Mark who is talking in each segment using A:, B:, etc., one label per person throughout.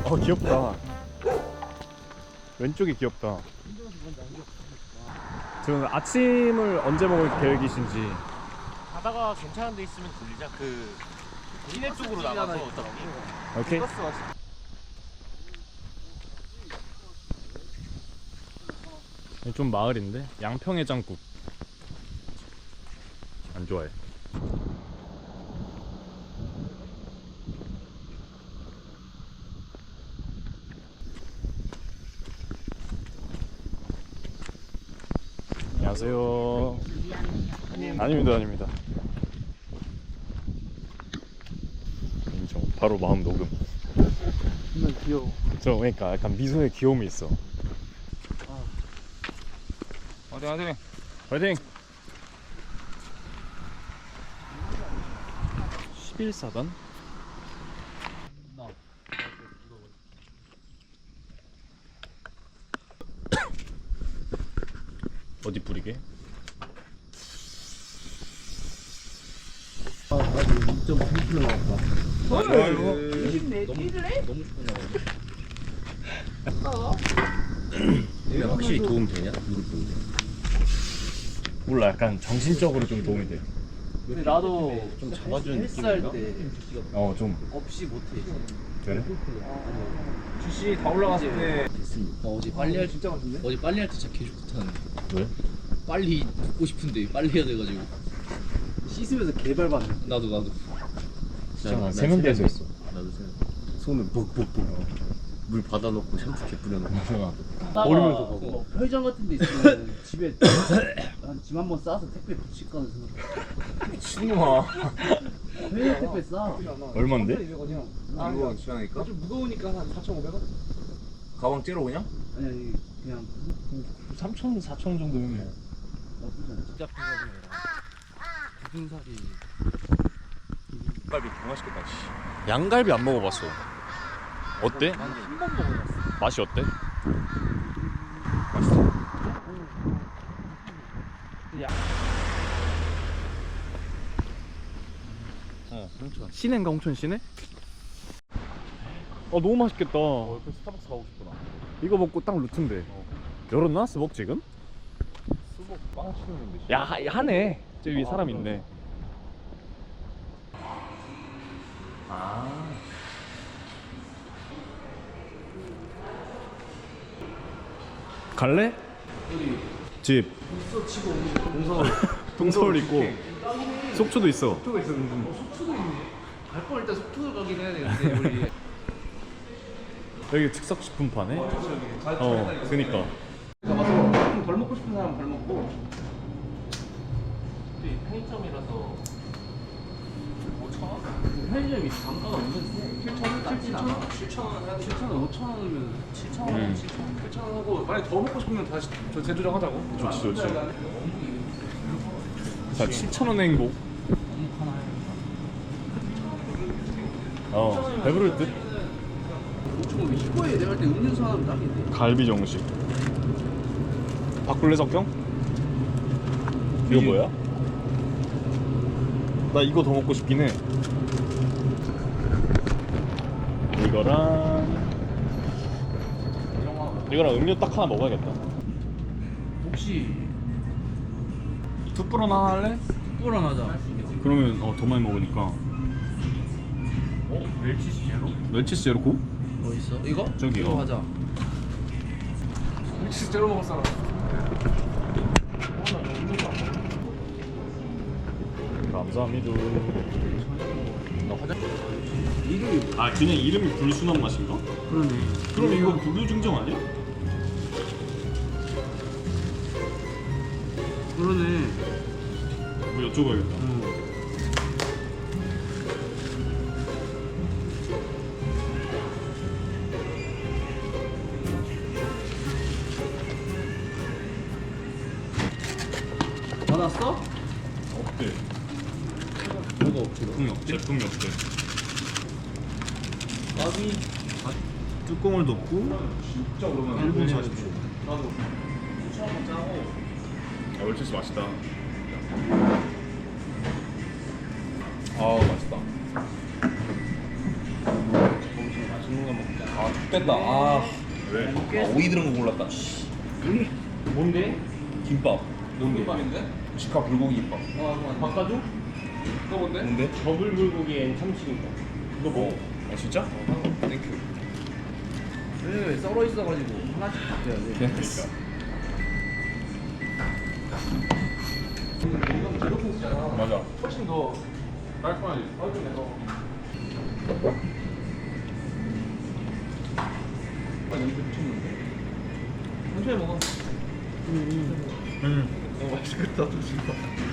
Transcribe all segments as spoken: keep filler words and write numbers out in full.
A: 어 귀엽다. 왼쪽이 귀엽다. 지금 아침을 언제 먹을 계획이신지.
B: 가다가 괜찮은 데 있으면 들리자. 그 시내 쪽으로 나가서 어차피.
A: 오케이. 좀 마을인데 양평해장국 안 좋아해. 안녕하세요. 아닙니다, 아닙니다. 인정. 바로 마음 녹음.
C: 정말 귀여워.
A: 저 그러니까 약간 미소에 귀여움이 있어.
B: 어디 어디.
A: 파이팅! 십일 사단? 어디 뿌리게?
C: 아, 나도 이 점 삼 킬로 나왔다.
B: 이게 확실히 도움 되냐? 무릎 보는데.
A: 몰라, 약간 정신적으로 좀 도움이 돼.
C: 근데 나도
B: 좀 잡아주는
C: 헬스할
B: 느낌인가?
C: 때
A: 어, 좀.
C: 없이 못해.
A: 그래?
C: 주시 다 올라갔을 때.
D: 어, 어제 빨리 할
C: 진짜 같은데?
D: 어제 빨리 할 때 진짜 개 좋다는데.
A: 왜?
D: 빨리 붓고 싶은데 빨리 해야 돼가지고.
C: 씻으면서 개발 받는.
D: 나도 나도.
A: 진짜 세면대에서 했어.
B: 나도 생각. 손을 벅벅벅. 물 받아놓고 샴푸 개 뿌려놓고.
C: 버리면서 가고. 편의점 같은 데 있으면 집에 한 짐 한 번 싸서 택배 붙일 거는 생각.
B: 미친놈아.
C: 편의점 택배 싸.
A: 얼만데?
B: 아, 이거 시원하니까?
C: 좀 무거우니까 한 사천오백 원?
B: 가방 째로 그냥?
C: 아니 아니 그냥
A: 삼천, 사천 정도면 뭐.
C: 나쁘지 않아.
D: 진짜 부분살이.
B: 갈비 개 맛있겠다. 씨.
A: 양갈비 안 먹어봤어. 어때?
D: 한 번 먹어봤어.
A: 맛이 어때?
D: 어, 홍천.
A: 시내인가 홍천 시내? 어 너무 맛있겠다.
B: 그 스타벅스 가고 싶구나.
A: 이거 먹고 딱 루트인데. 열었나? 스벅 지금?
B: 수복 빵 치는데.
A: 야 하- 하네. 저기 위에 사람 있네. 아. 갈래? 집.
C: 벌써 치고 동서울.
A: 동서울 있고 속초도 있어.
C: 속초가 있었는데. 어, 속초도 있네. 갈 뻔 일단 속초를 가긴 해야 되는데 우리.
A: 여기 즉석식품 파네. 어, 그니까.
C: 가봐서 좀 덜 먹고 싶은 사람 덜 먹고.
B: 편의점이라서 오천 원?
C: 편의점이 단가가 은근 칠천 원, 칠천 원,
B: 칠천 원 해야 돼.
C: 칠천 원, 오천 원이면
B: 칠천 원,
A: 음.
B: 칠천 원.
C: 칠천 원 하고 만약 더 먹고 싶으면 다시 저 재조정하자고.
A: 좋지 좋지. 자 칠천 원의 행복. 어 배부를 듯.
C: 오천 원 이거에 내가 할 때 음료수 하나 딱인데.
A: 갈비 정식. 바꿀래 석경? 이거 뭐야? 나 이거 더 먹고 싶긴 해. 이거랑 이거랑 음료 딱 하나 먹어야겠다.
C: 혹시
A: 툭불 하나 할래?
C: 뚜꾸랑 하자.
A: 그러면 어, 더 많이 먹으니까.
B: 어? 멸치시 제로?
A: 멸치스 제로코?
C: 뭐 있어? 이거?
A: 저기요.
C: 이거 하자. 멸치 제로 먹을 사람.
A: 감사합니다.
B: 나 화장.
C: 이름이
A: 아 그냥 이름이 불순한 맛인가?
C: 그러네.
A: 그럼 이거 불교 증정 아니야?
C: 그러네.
A: 뭐 여쭤봐야겠다.
C: 응. 받았어?
A: 없대.
D: 뭐가 없지?
A: 제품이 없대. 제품이 없대.
D: 까비.
A: 뚜껑을 덮고
C: 진짜 오랜만에.
A: 일 분 사십 초.
C: 나도. 추천 짜고.
A: 아 멸치스 맛있다.
B: 아 맛있다.
C: 맛있는 거 먹자.
B: 아
E: 뺐다. 아,
A: 왜?
E: 아 오이 들은 거 골랐다. 씨.
B: 뭔데?
E: 김밥.
B: 뭔데?
E: 김밥인데? 직화 불고기 김밥.
B: 바꿔줘?
E: 그거 뭔데? 뭔데?
B: 더블 불고기엔 참치김밥. 이거 먹어.
E: 아 진짜? 땡큐.
C: 왜 썰어 있어가지고 하나씩 바뀌어야 돼.
E: 그러니까.
B: 이건 제로킹스잖아.
E: 맞아.
B: 훨씬 더
E: 깔끔하지.
B: 깔끔해서.
C: 아 여기 미쳤는데.
B: 천천히 먹어.
A: 음.
B: 어, 맛있겠다, 또 진짜.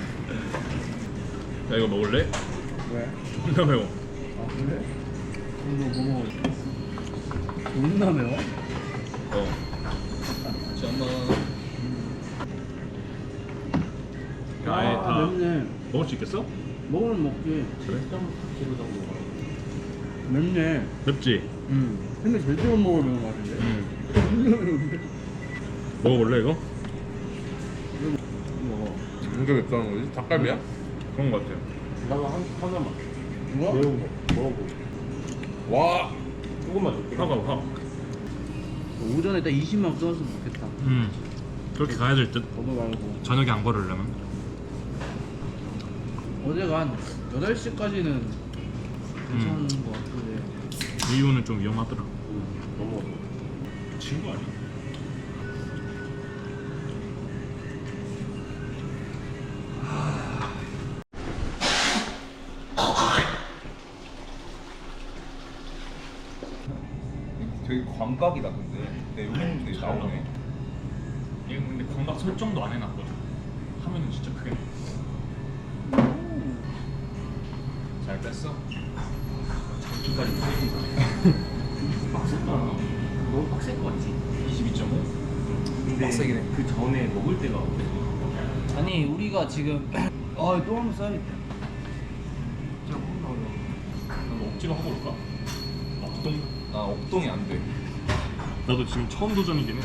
A: 야 이거 먹을래?
C: 왜?
A: 존나 매워.
C: 아 그래? 이거 뭐 먹어? 존나 매워?
A: 어.
E: 잠깐만.
A: 야, 아예
C: 아,
A: 다
C: 맵네.
A: 먹을 수 있겠어?
C: 먹으면 먹지.
A: 그래?
B: 기로 정도.
C: 맵네.
A: 맵지?
C: 응. 근데 절대 못 먹을 매운 맛인데.
A: 응.
C: 존나 매운데.
A: 먹어볼래 이거?
C: 먹어.
E: 이게 맵다는 거지? 닭갈비야?
A: 그런 거 같아.
B: 나도 한, 하나만.
C: 뭐야?
B: 매운 거. 먹어보고.
E: 와.
B: 조금만 줄게.
A: 화가 확.
C: 오전에 딱 이십만 써놨으면 좋겠다.
A: 음. 그렇게 가야 될 듯.
C: 너도 말고.
A: 저녁에 안 걸으려면.
C: 어제가 한 여덟 시까지는 괜찮은 것 같은데.
A: 이유는 좀 위험하더라.
B: 너무.
A: 친구 아니야?
E: 되게 광각이다 근데. 내 여기는 되게 나오네.
A: 이거 근데 광각 설정도 안 해놨거든. 하면은 진짜 크게. 잘 뺐어? 장기까지 터지는
B: 빡셌다. 너무 빡셀 것 같지?
A: 이십이 점 오?
B: 근데
E: 빡세긴 해.
B: 그 전에 먹을 때가
C: 아니 우리가 지금 아또 한번 써야겠다.
A: 나도 억지로 하고 올까? 억동?
E: 아 업동이 안 돼.
A: 나도 지금 처음 도전이긴 해.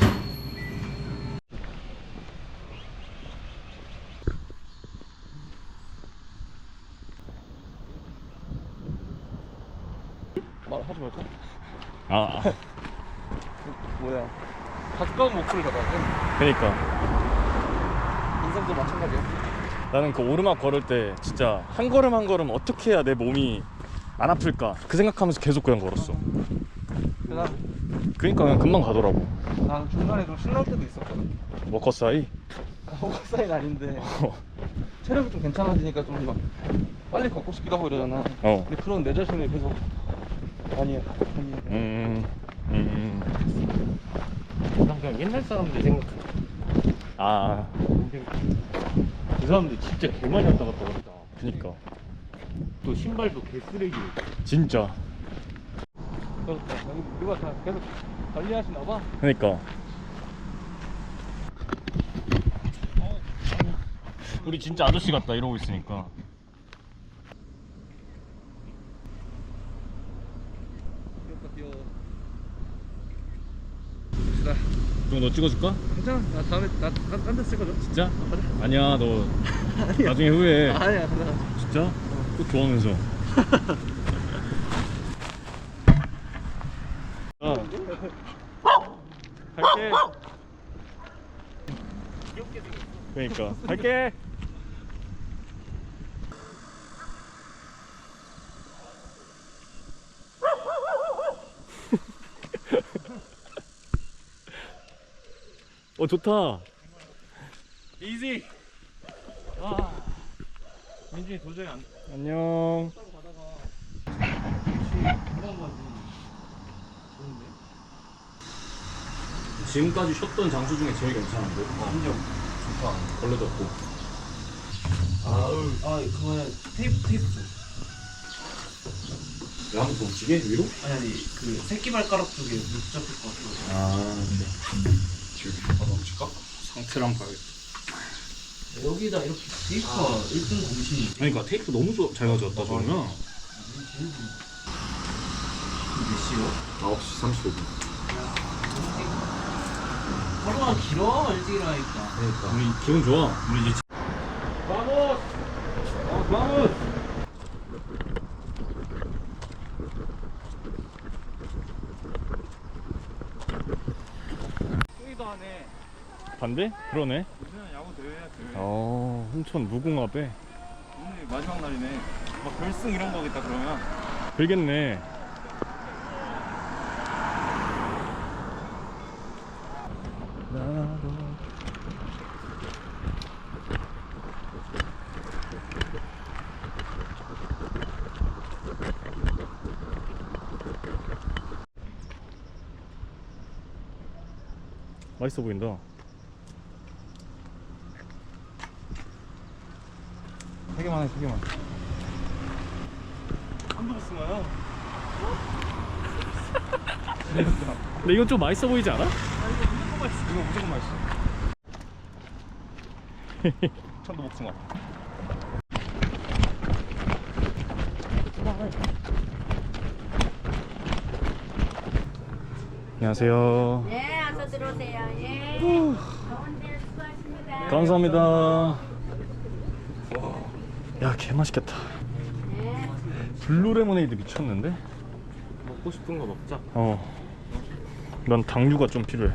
B: 말하지 말까?
A: 아, 아.
B: 뭐야? 가까운 목소리가 나네.
A: 그러니까
B: 인상도 마찬가지야.
A: 나는 그 오르막 걸을 때 진짜 한 걸음 한 걸음 어떻게 해야 내 몸이 안 아플까 그 생각하면서 계속 그냥 걸었어.
B: 나,
A: 그러니까 그냥 금방 가더라고.
B: 난 중간에 좀 신날 때도 있었거든.
A: 워커 사이.
B: 호각 사이는 아닌데 체력이 좀 괜찮아지니까 좀 막 빨리 걷고 싶기도 하고 이러잖아.
A: 어.
B: 근데 그런 내 자신을 계속 아니야, 아니야.
A: 음. 음.
B: 난 그냥 옛날 사람들 생각해.
A: 아.
B: 그 사람들 진짜 개 많이 왔다 갔다 하다.
A: 그니까.
B: 또 신발도 개 쓰레기.
A: 진짜.
B: 그렇다. 누가 다 계속 관리하시나 봐.
A: 그니까. 우리 진짜 아저씨 같다 이러고 있으니까. 그럼 너 찍어줄까?
B: 괜찮아. 나 다음에 나딴데 쓸 거죠.
A: 진짜? 아니야 너 나중에 후회해.
B: 아니야, 나.
A: 진짜? 또 좋아하면서. 아. 갈게. 그러니까 갈게. 어 좋다.
B: 이지. 아, 민준이 도저히 안.
A: 안녕. 지금까지 쉬었던 장소 중에 제일 괜찮은데? 인정. 좋다. 벌레도 없고.
C: 아 그거는 테이프 테이프 좀.
A: 왜 아무도 움직여? 위로?
C: 아니 아니 그 새끼 발가락 쪽에 물 붙잡힐 것 같아.
A: 아, 네.
E: 지금 받아 붙일까?
A: 상태를 한번 봐야겠다.
C: 여기다 이렇게 테이프가 일 등 공신이.
A: 그러니까 테이프 너무 좋- 잘 가져왔다 저러면.
C: 몇 시요?
E: 아홉 시 삼십오 분.
C: 하루가 길어 일찍 일어나니까.
A: 그러니까. 우리 기분 좋아. 우리 이제
B: 바보스. 어, 바보스.
A: 돼? 그러네.
B: 요새는 야구 대회야 대회.
A: 어, 홍천 무궁화배.
B: 오늘 마지막 날이네. 막 결승 이런 거겠다 그러면.
A: 되겠네. 맛있어 보인다.
B: 세 개만 해, 세 개만. 한두 쓰나요?
A: 근데 이건 좀 맛있어 보이지 않아?
B: 이거 무조건 맛있어. 천도 복숭아.
A: 안녕하세요.
F: 네, 어서 들어오세요. 예. 더운데 수고하십니다.
A: 감사합니다. 야, 개 맛있겠다.
F: 네.
A: 블루 레모네이드 미쳤는데?
B: 먹고 싶은 거 먹자.
A: 어. 난 당류가 좀 필요해.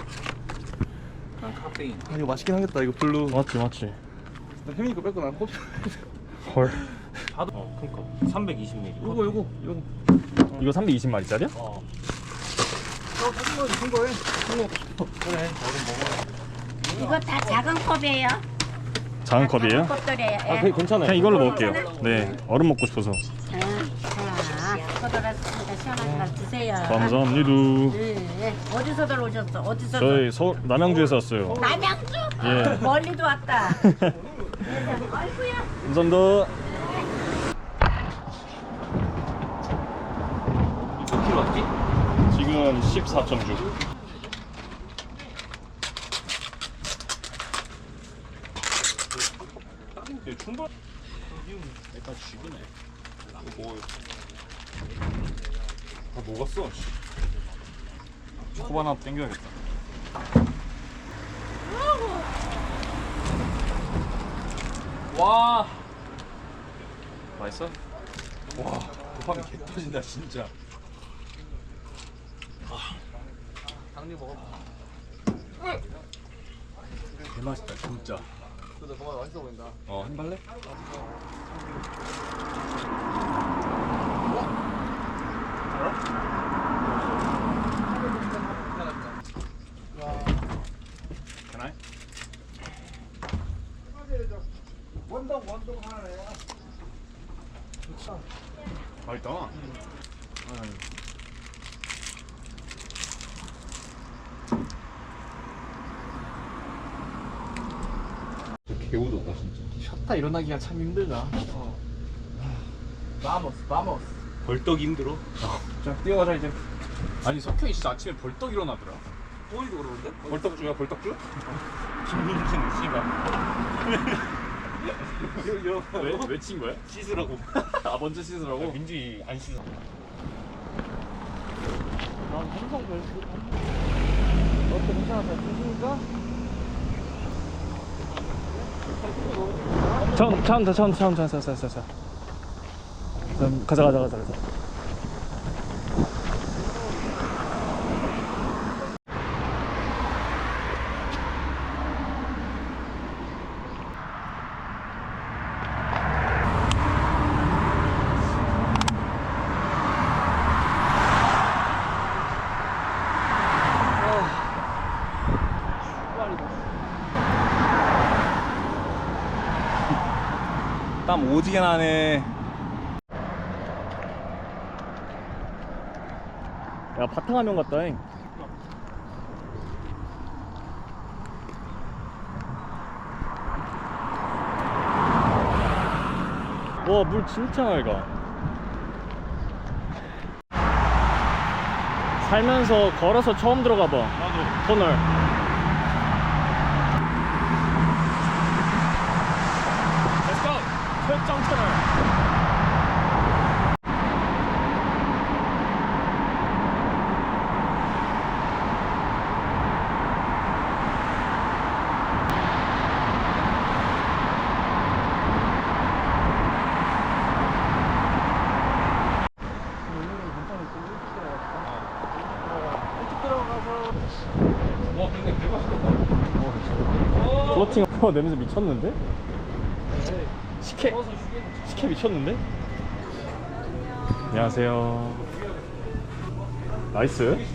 B: 난 카페인. 아 이거 맛있긴 하겠다. 이거 블루.
A: 맞지, 맞지.
B: 나 혜민이 거 뺏고 난 커피.
A: 헐.
B: 어, 그니까. 삼백이십 밀리리터. 요거 요거 요거.
A: 이거 삼백이십 마리짜리야?
B: 어. 어, 사진 거 무슨 거해? 그래. 얼음 먹어.
F: 이거 다 작은 컵이에요.
A: 작은 컵이에요?
F: 컵들이에요. 예.
A: 아, 괜찮아요. 그냥 이걸로 먹을게요. 네, 얼음 먹고 싶어서.
F: 자, 자, 커들었으니까 시원한 거 드세요.
A: 감사합니다.
F: 네. 어디서들 오셨어? 어디서?
A: 저희 서울 남양주에서 왔어요.
F: 남양주?
A: 예.
F: 멀리도 왔다. 아이고야.
A: 감사합니다.
B: 몇 킬로 왔지?
A: 지금 십사 점 육.
B: 충분.
A: 약간 죽이네.
B: 이거 먹어요. 다 녹았어. 초코 하나 땡겨야겠다. 와. 맛있어? 와, 도파민 개 터진다 진짜. 당뇨 먹어.
A: 개 맛있다, 진짜.
B: 근데 정말 맛있어 보인다. 어, 한 발래?
A: Can I? 맛있다.
B: 개우도다 진짜.
C: 쉬었다 일어나기가 참 힘들다. 바모스 바모스.
B: 벌떡 힘들어.
C: 자 뛰어가자 이제.
A: 아니, 석현이 진짜 아침에 벌떡 일어나더라.
B: 꼬이도 그러는데? 벌떡주야 벌떡주? 김민준 씨가.
A: 왜? 왜 친 거야?
B: 씻으라고.
A: 아, 먼저 씻으라고?
B: 민준이 안 씻어.
C: 난 항상 그랬어. 어때 괜찮아? 잘 씻으니까?
A: 천, 천, 천, 천, 천, 천, 천, 천, 천, 천. 그럼 가자, 가자, 가자, 가자.
B: 땀 오지게 나네.
A: 야, 바탕화면 같다잉. 와, 물 진짜 맑아. 살면서 걸어서 처음 들어가 봐.
B: 나도.
A: 터널. Let's go. 철정 터널.
B: 와,
A: 어, 냄새 미쳤는데? 식혜 식혜 미쳤는데? 안녕하세요. 나이스.
B: 음료수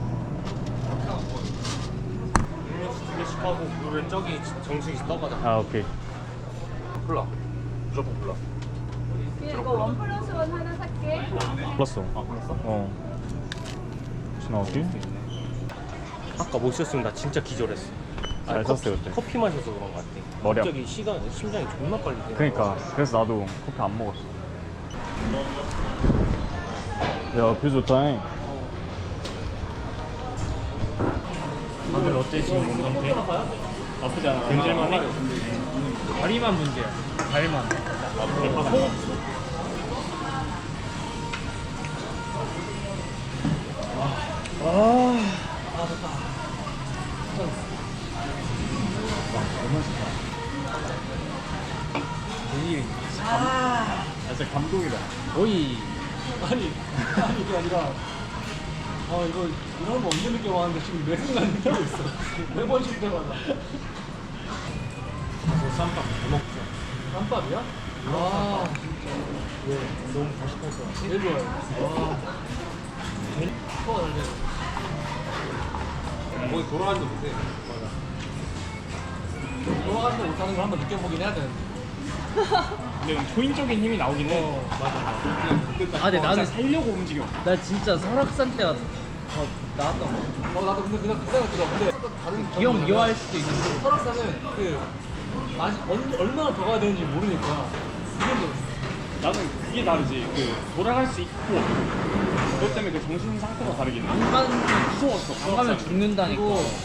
B: 두 개씩 하고 물은 저기 정수기 떠가자.
A: 아 오케이.
B: 콜라. 무조건 콜라.
F: 이거 원 플러스 원 하나 살게.
A: 불렀어. 아 불렀어? 어. 지나갈게.
B: 아까 못 쉬었으면 나 진짜 기절했어.
A: 잘 샀어요 그때.
B: 커피 마셔서 그런 거 같아.
A: 머리 아파.
B: 갑자기 시간 심장이 존나 빨리 뛰는
A: 그러니까 그래서 나도 커피 안 먹었어. 야, 뷰 좋다잉.
B: 다들 어때 지금 몸 상태? 나쁘지 않아. 견딜만 해. 다리만 문제야. 다리만.
A: 아, 진짜 감동이다.
B: 거의 아니 아니 이게 아니라 아 이거 이런 거 언제 느껴 봤는데 지금 매 순간 느끼고 있어. 매번 쉴 때마다. 저 쌈밥 잘 먹자. 쌈밥이야? 와 진짜 왜 너무 다식할 것 같아. 제일 좋아요. 와 제일 커가 잘 되네. 거의 돌아가지도 못해. 맞아. 돌아가지도 못하는 걸 한번 느껴보긴 해야 되는데. 근데 초인적인 힘이 나오긴 해. 어, 맞아, 맞아.
C: 아 근데 나는
B: 살려고 움직여.
C: 나 진짜 설악산 때가 더 나았던 거.
B: 어, 나도 근데 그냥 그 생각 들어. 근데 다른
C: 기억 미워할 수도 있는데.
B: 설악산은 그 맛이 얼- 얼마나 더 가야 되는지 모르니까 그게 더
A: 나는 그게 다르지. 그 돌아갈 수 있고 그것 때문에 그 정신 상태가 다르긴 해.
C: 안 가면 무서웠어. 안 가면 죽는다니까.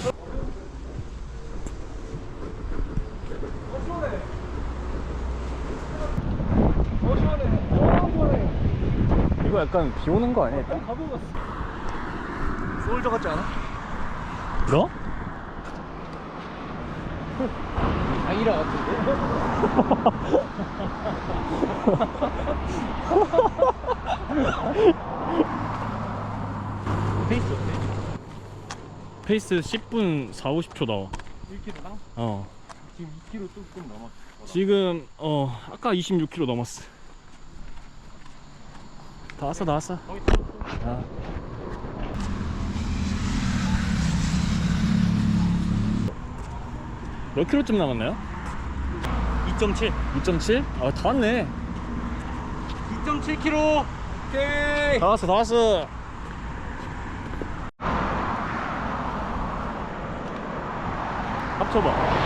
A: 이거 약간 비 오는 거 아니야? 일단?
B: 소울저 같지 않아?
A: 너?
B: 아이라 같은데? 페이스 어때?
A: 페이스 십 분 사, 오십 초 나와.
B: 일 킬로미터당?
A: 어.
B: 지금 이 킬로미터 조금 넘었어.
A: 지금 어 아까 이십육 킬로미터 넘었어. 다 왔어, 다 왔어.
B: 거의 다 왔어.
A: 아. 몇 킬로쯤 남았나요?
B: 이 점 칠.
A: 이 점 칠? 아, 다 왔네.
B: 이 점 칠 킬로미터. 오케이.
A: 다 왔어, 다 왔어. 합쳐봐.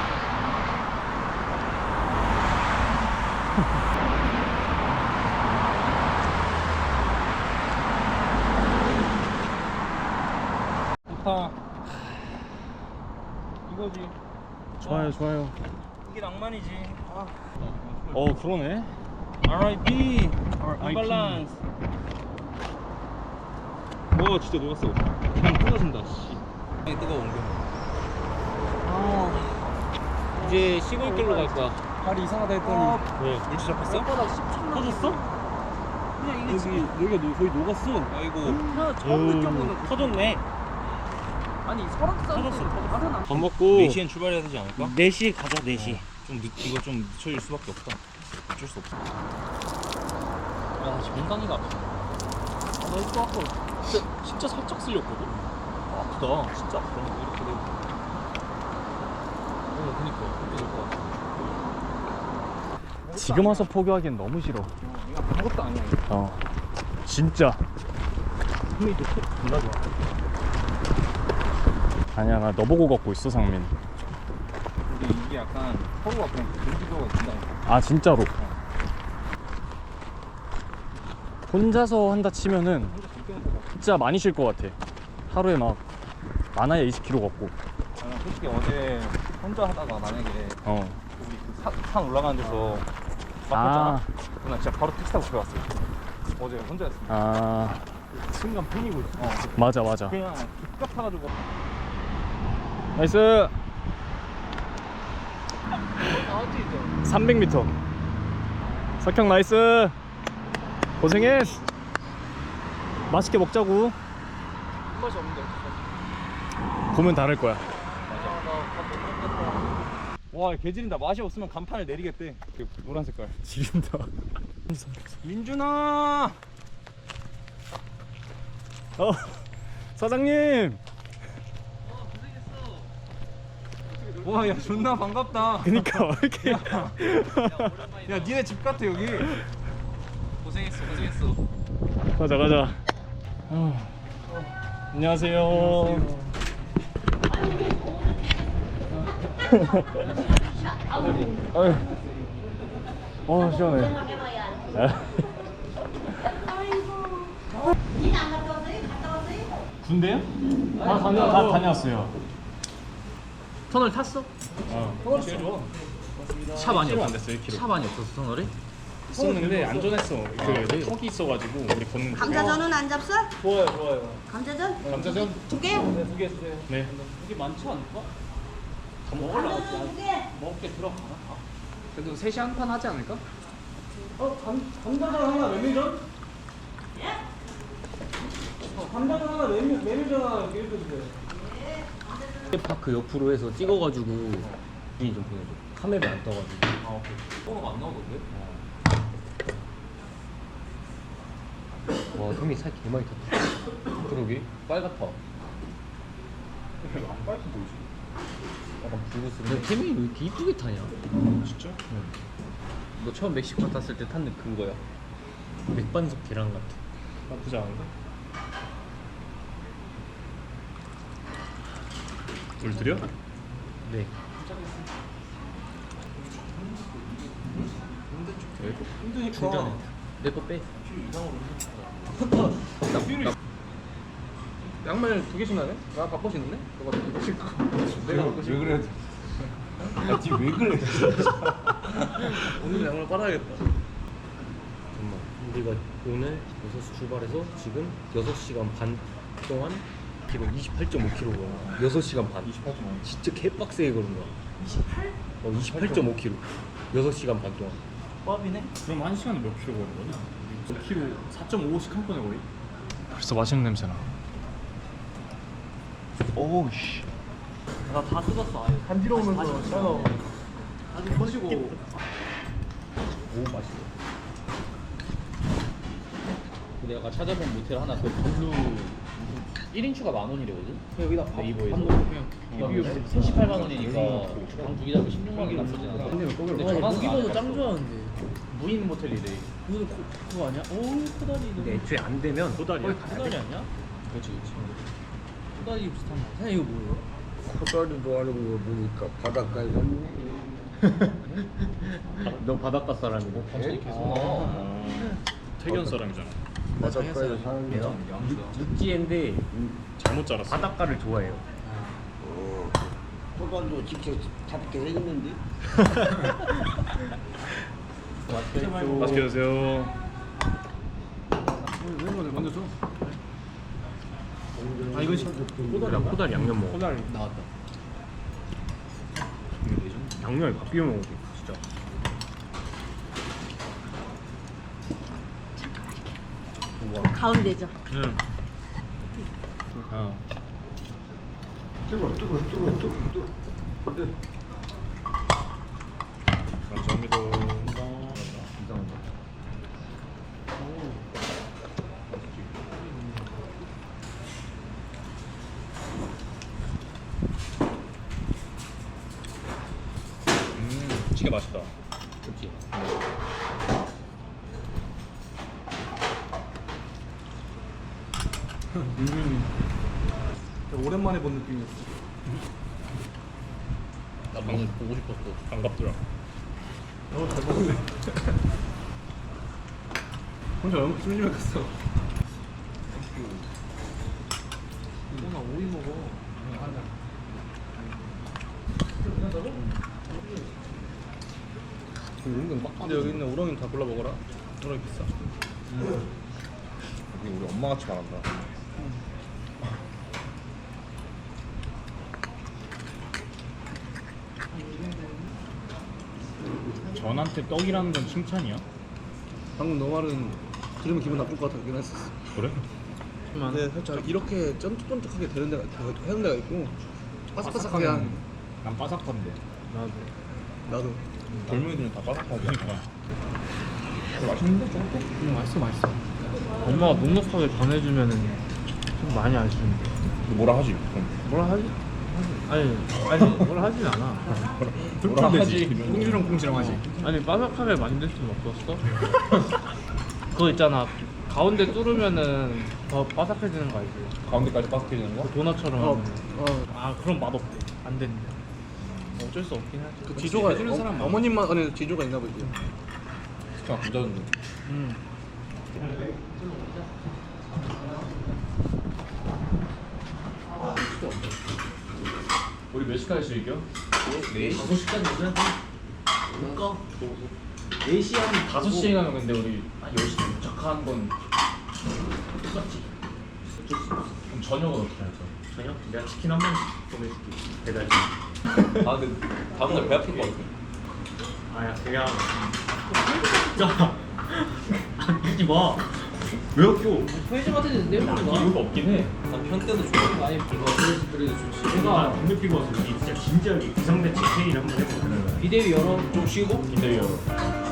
B: 좋다. 이거지.
A: 좋아요, 좋아요.
B: 이게 낭만이지. 아.
A: 어, 그러네.
B: 알 아이 피. 언밸런스. 와 진짜 녹았어. 그냥 끊어진다. 씨. 뜨거운 게. 아. 이제 시골 길로 갈 거야. 발이 이상하다 했더니 왜? 물질 잡혔어? 터졌어? 그냥 이게 지금 여기가 노, 거의 녹았어. 아이고. 처음 느껴보는 터졌네.
C: 아니 설악산
B: 터졌어, 터졌어. 밥 먹고 네 시엔 출발해야 되지 않을까? 네 시 가자. 네 시. 좀 늦, 이거 좀 늦춰질 수밖에 없다. 어쩔 수 없어. 아, 지금 엉덩이가 아파. 아, 나 이거 아까 진짜, 진짜 살짝 쓸렸거든? 아, 아프다. 진짜 아프다. 이렇게 되고. 어, 그니까. 그렇게 될 것 같아.
A: 지금 와서 포기하기엔 너무 싫어.
B: 이거 아무것도 아니야.
A: 어. 진짜.
B: 힘이 또 존나 좋아.
A: 아니야, 나 너 보고 걷고 있어, 상민.
E: 근데 이게 약간 서로가 그냥 동기부여가 된다니까.
A: 아, 진짜로. 혼자서 한다 치면은 진짜 많이 쉴 것 같아. 하루에 막 많아야 이십 킬로미터 걷고.
E: 나는 솔직히 어제 혼자 하다가 만약에
A: 어.
E: 우리 그 산, 산 올라가는 데서
A: 아,
E: 막혔잖아. 그럼 나 진짜 바로 택시 타고 집에 왔어. 어제 혼자였어.
A: 아,
E: 순간 팽이고 있어. 어.
A: 맞아, 맞아.
E: 그냥 급각 타가지고.
A: 나이스. 삼백 미터. 석형 나이스. 고생했어. 맛있게 먹자고.
B: 맛이 없는데.
A: 보면 다를 거야.
E: 와, 개 지린다. 맛이 없으면 간판을 내리겠대. 그 노란 색깔.
A: 지린다.
E: 민준아.
A: 어, 사장님.
E: 와, 야, 존나 반갑다.
A: 그니까 왜 이렇게.
E: 야, 니네 집 같아 여기.
D: 고생했어 고생했어.
A: 가자 가자. 어. 안녕하세요. 아유. 어 시원해. 군대요? 아 다녀 다 다녀왔어요.
D: 터널 탔어?
A: 어. 제일 좋아.
D: 차 많이
A: 안
D: 없었어?
A: 됐어 일 킬로미터.
D: 차 많이 없었어 터널에?
A: 있었는데 안전했어. 그 턱이 있어가지고 우리 걷는. 데.
F: 감자전은 안 잡숴?
E: 좋아요, 좋아요.
F: 감자전?
A: 감자전?
F: 두 개?
E: 두 개 주세요.
A: 네.
C: 이게 많지 않을까?
F: 감자전 두 개?
C: 먹을 게 들어가나?
D: 그래도 셋이 한 판 하지 않을까?
C: 어? 감, 감자전 하나 메밀전?
F: 예?
C: 어, 감자전 하나 메밀, 메밀전 하나 이렇게 해주세요.
B: 파크 옆으로 해서 찍어가지고 주인 좀 보내줘. 카메라 안 떠가지고.
D: 아 오케이. 번호가 안 나오던데?
B: 와 형이 살 개 많이 탔다.
D: 그러게 빨갛다.
E: 안 빨리 보이지?
B: 약간 붉은색. 태민이 왜 이렇게 이쁘게 타냐?
A: 진짜?
B: 너 처음 멕시코 탔을 때 탄 그거야. 맥반석 계란 같아.
A: 나쁘지 않은데? 물 드려?
B: 네.
E: 힘드니까.
B: 내거 빼.
E: 양말 두 개씩 나네? 나 바꿔 신는데? 너가 두 개씩. 내가 바꿔 신는. 왜 그래? 야, 지금 왜 그래? 오늘 양말 빨아야겠다.
B: 잠깐만. 우리가 오늘 여섯 시 출발해서 지금 여섯 시간 반 동안 기록 이십팔 점 오 킬로미터야. 여섯 시간 반.
E: 이십팔 점 오.
B: 진짜 개빡세게 걸은 거야. 이십팔? 어, 이십팔 점 오 킬로미터. 여섯 시간 반 동안.
C: 밥이네?
A: 그럼 한 시간에 몇 킬로 거는 거냐? 몇 킬로? 사 점 오오씩 한 번에 거의? 벌써 맛있는 냄새 나.
E: 오우 씨.
C: 나 다 뜯었어 아예.
E: 간지러우면서 샤워.
C: 아주 커지고.
B: 오 맛있어. 근데 아까 찾아본 모텔 하나 그 블루 일 인추가 만 원이래거든?
C: 여기다 밥
B: 네이버에서.
C: 밥 넣고 그냥
B: 이게 삼십팔만 원이니까 방 두 개 잡으면 십육만 원이 나쁘지 않아. 근데
C: 무기도 짱 좋아하는데.
B: 무인 모텔이래.
C: 그거 그거 아니야? 오 코다리.
B: 근데 애초에 안 되면
A: 도다리야?
C: 코다리 아니야?
B: 그렇지 그렇지.
C: 코다리 비슷한 거. 사장님 이거 뭐예요?
G: 코다리도 하는 거 보니까 바닷가에 갔네.
B: 너 바닷가 사람이고.
G: 예?
A: 아, 태견 사람이잖아.
G: 바닷가에 사는 게
B: 육지인데
A: 잘못 자랐어.
B: 바닷가를 좋아해요.
G: 어, 코다리도 직접 잡게 생겼는데.
A: 맛있게 드세요.
C: 왼손을 건져줘.
B: 아 이거 코다리 코다리 양념 먹어.
A: 코다리.
B: 나왔다.
A: 양념에 밥 비벼 먹어도 진짜.
F: 가운데죠.
A: 응. 어.
G: 뜨거, 뜨거, 뜨거, 뜨거, 뜨거.
A: 감사합니다. 음, 진짜 맛있다.
B: 그렇지.
E: 오랜만에 본 느낌이었어.
B: 나 방금 보고 싶었어.
A: 반갑더라.
E: 어, 잘 먹었네. 혼자 영국 찜찜해 갔어.
C: 이거나 오이 먹어.
E: 은근 빡. 근데 여기 있는 우렁이는 다 골라 먹어라. 우렁이 비싸. 여기 우리 엄마 같이 말한다.
A: 전한테 떡이라는 건 칭찬이야?
E: 방금 너 말은 들으면 기분 나쁠 것 같긴 했었어.
A: 그래?
E: 근데 살짝 이렇게 쫀득쫀득하게 되는 데가 되는 데가 있고 바삭바삭하게 한.
A: 난 바삭한데.
E: 나도. 나도. 젊은이들은 다 바삭하니까. 맛있는데 좀?
B: 응, 맛있어 맛있어. 엄마가 넉넉하게 전해주면은 좀 많이 아쉬운데.
E: 뭐라 하지? 그럼.
B: 뭐라 하지? 아니 아니 뭐라 하진 않아.
E: 뭐라 하지?
A: 꽁지렁꽁지렁 하지.
B: 아니 바삭하게 만들 수는 없었어. 그거 있잖아. 가운데 뚫으면은 더 바삭해지는 거 알지?
E: 가운데까지 바삭해지는 거?
B: 그 도넛처럼
C: 어,
B: 하면.
C: 어.
B: 아 그럼 맛없대. 안 된대. 어쩔 수 없긴 하지.
E: 그 지조가
B: 해주는 사람 많아.
E: 어머님만 안에 지조가 있나 보지. 그냥 부자는
B: 음.
A: 우리 몇 시까지 즐겨?
E: 네.
A: 다섯 시까지 오자. 그러니까 네 시 한 다섯 시에 가면 근데 우리 한 열 시에 도착하는 건 똑같지. 어쩔 수 없어. 그럼 저녁은 어떻게 할까? 저녁? 내가 치킨 한 번씩 보내줄게. 배달.
E: 아 근데 다음날 배 아플 것 같아.
A: 아야 그냥 진짜 안 끼지 마. 왜 아껴?
C: 편의점 같은 데는 내면
A: 이유가 없긴 해.
E: 난편 때도 좋아.
C: 아니 이거 그래도 그래도 좋지.
A: 내가 담배 피고 와서 우리 진짜 진지하게 기상대책 회의를 한번 해보자.
C: 비대위 열어.
E: 좀 쉬고?
A: 기대요.